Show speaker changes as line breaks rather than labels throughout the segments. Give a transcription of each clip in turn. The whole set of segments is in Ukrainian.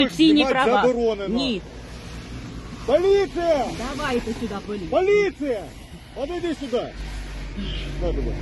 Конституційні права.
Заборонено.
Ні.
Поліція!
Давайте сюди поліцію.
Поліція! Подойди сюди. На тебе.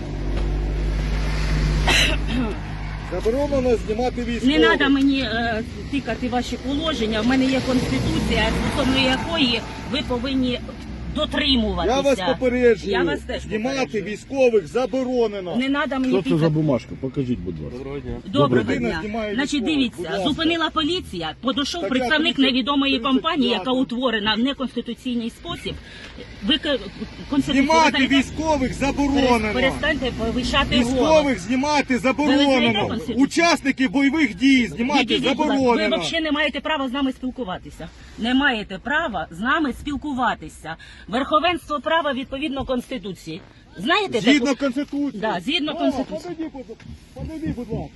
Заборонено знімати військових.
Не треба мені тикати ваші положення. В мене є Конституція, стосовно якої ви повинні дотримуватися.
Я вас попереджую.
Я вас теж
Знімати
попереджую.
військових заборонено.
Не треба мені
Що це за
тикати.
бумажка? Покажіть, будь ласка.
Доброго дня.
Доброго
Людина
дня.
знімає
Значить,
військових. Будь
дивіться,
ласка.
зупинила поліція, подійшов
Стаття
представник
30,
невідомої компанії, яка
35.
утворена в неконституційний спосіб. Ви Конституцію
Знімати
знаєте?
військових заборонено.
Перестаньте повищати голос.
Військових знімати
Ви знаєте
заборонено.
Конституцію?
Учасників бойових дій знімати
Відійдіть, будь ласка.
заборонено.
Ви взагалі не маєте права з нами спілкуватися. Не маєте права з нами спілкуватися. Верховенство права відповідно Конституції. Знаєте
Згідно
таку?
Конституції.
Да, згідно Конституції.
Подойди, будь ласка.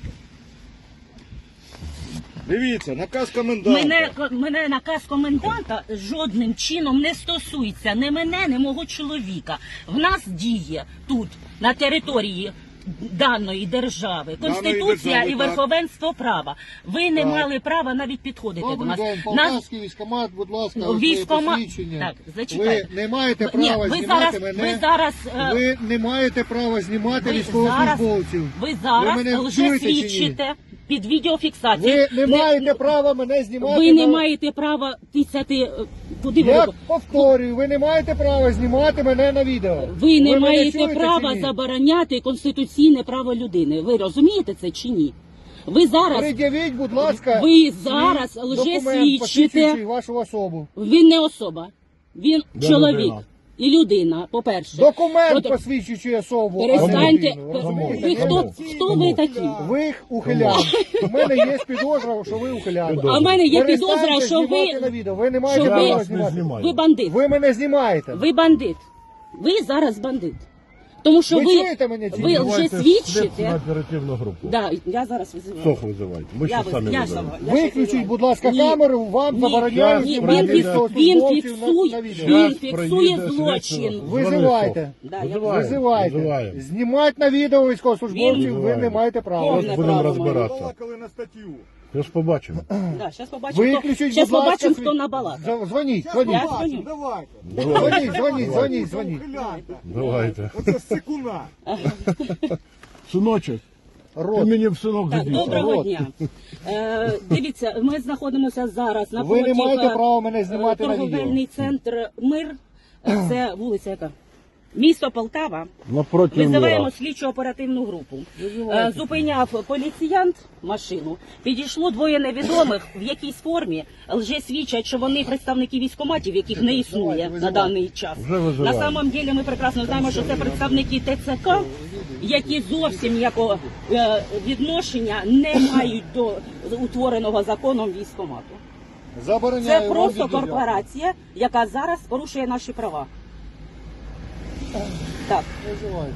Дивіться, наказ коменданта.
Мене наказ коменданта жодним чином не стосується ні мене, ні мого чоловіка. В нас діє тут, на території даної держави, Конституція
держави,
і
так.
верховенство права. Ви не
Так.
мали права навіть підходити до
Добрий
нас.
день, Полтавський військкомат, будь ласка, ось
Військкомат.
моє посвідчення.
Так, зачекайте.
Ви не маєте
Ні,
права
ви
знімати
зараз,
мене.
ви зараз,
Ви не маєте права знімати
ви
військовослужбовців.
ви зараз
мене
лже
чуєте чи ні?
свідчите під відеофіксацією.
Ви не маєте права мене знімати.
Ви не
на-
маєте права тисяти. Куди ви
Я
робите?
повторюю, ви не маєте права знімати мене на відео.
Ви не
мене
маєте
чуєте
права
чи ні?
забороняти конституційне право людини. Ви розумієте це чи ні? Ви зараз,
Пред'явіть, будь ласка,
ви
свій
зараз
документ,
лжесвідчите.
посвідчуючий вашу особу.
Він не особа, він
Де
чоловік
людина?
і людина, по-перше.
Документ,
От-
посвідчуючий особу. а не
Перестаньте.
людину, ви розумієте?
Ви
Ні?
хто ви такі?
Ви ухилян. У мене є підозра, що ви ухилян.
А в мене є
Перестаньте
підозра, що
знімати на
ви,
відео. Ви не маєте
що
права
Я вас не
знімати.
знімаю.
ви бандит.
Ви мене знімаєте.
Ви бандит. Ви зараз бандит. Тому що
Ви
ви,
чуєте мене чи ні?
ви вже
Визивайте
свідчите.
слідчу оперативну групу.
Да, я зараз визиваю.
СОХ визивайте. Ми ще самі визиваємо.
Виключіть, будь ласка,
Ні.
камеру, вам
Ні.
забороняють
Ні,
знімати
він
військовослужбовців на відео.
він
Щас
фіксує
проїде
злочин.
слідчо.
Визивайте.
Да, я
Визиваємо.
Визивайте.
Визиваємо.
Знімати на відео військовослужбовців ви
Визиваємо.
не маєте права.
Повне
Будемо
право
розбиратися.
Балакали на статтю.
Я ж побачимо.
Да, зараз побачимо,
Виключіть,
щас
будь ласка,
побачимо,
свій-
хто набалакав.
Дзвоніть,
Я
дзвоніть.
дзвоню.
Давайте.
Дзвоніть.
Давайте.
Оце секуна.
Синочок, ти
Рот.
мені в синок
Так,
годився.
доброго дня. Дивіться, ми знаходимося зараз на
Ви не маєте права мене знімати на
торговельний
відео.
центр Мир. Це вулиця яка? Місто Полтава.
Напроти
Визиваємо
міра.
слідчо оперативну групу. Зупиняв поліціянт машину. Підійшло двоє невідомих в якійсь формі. Лже свідчать, що вони представники військкоматів, яких не існує на даний час.
Вже визиваємо.
На самом деле ми прекрасно знаємо, що це представники ТЦК, які зовсім ніякого відношення не мають до утвореного законом військкомату.
Забороняю
Це
вам
просто
відео.
корпорація, яка зараз порушує наші права. Так.
Визивайте.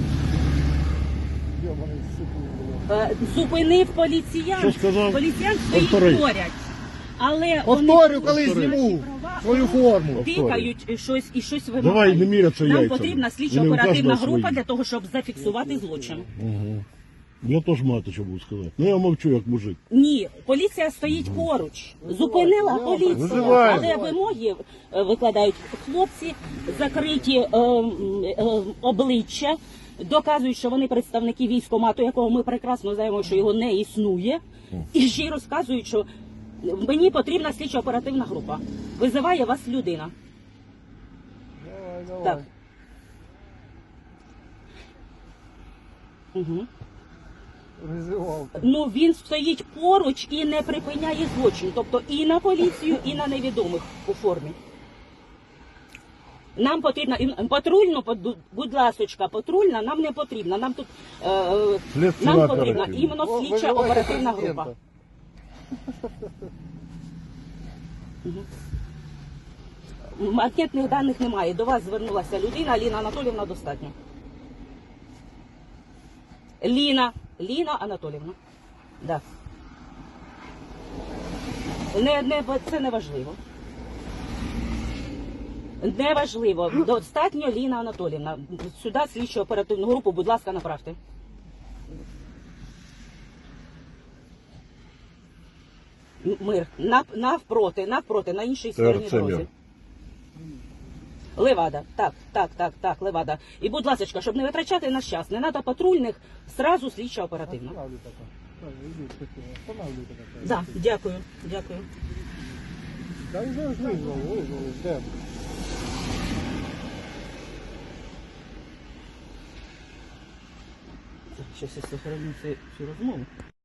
Йобаний сука, блядь.
Зупинив поліціян.
Що сказав?
Поліціян стоїть
Повтори.
поряд. Але
Повторю, коли
порушують
зніму
наші права,
свою форму.
тикають щось і щось
Давай,
вимагають.
не міряться
Нам
яйцями.
потрібна
І
слідчо
не
оперативна
вкажемо
група
свої.
для того, щоб зафіксувати злочин.
Я теж мати що буду сказати. Ну я мовчу як мужик.
Ні, поліція стоїть поруч. Зупинила поліція,
Визиваємо.
але вимоги викладають хлопці, закриті обличчя, доказують, що вони представники військкомату, якого ми прекрасно знаємо, що його не існує, і ще й розказують, що мені потрібна слідчо оперативна група. Визиває вас людина.
Давай.
Так. Угу.
Визивав.
Ну він стоїть поруч і не припиняє злочин, тобто і на поліцію, і на невідомих у формі. Нам потрібна патрульну, будь ласочка, патрульна нам не потрібна. Нам тут
Слідчо
нам потрібна
оперативна.
іменно слідча
Визивайте
оперативна
президента.
група. Анкетних даних немає. До вас звернулася людина, Ліна Анатоліївна достатньо. Ліна Анатоліївна. Да. Це не важливо. Неважливо. Достатньо Ліна Анатоліївна. Сюди слідчу оперативну групу, будь ласка, направте. Мир. Навпроти, на іншій
Це
стороні
Арсенів.
дороги. Левада. Так, Левада. І, будь ласка, щоб не витрачати наш час, не треба патрульних, сразу слідчо оперативно. Да, дякую.
Та вже ж визвали, де?
Щас я сохраню цю розмову.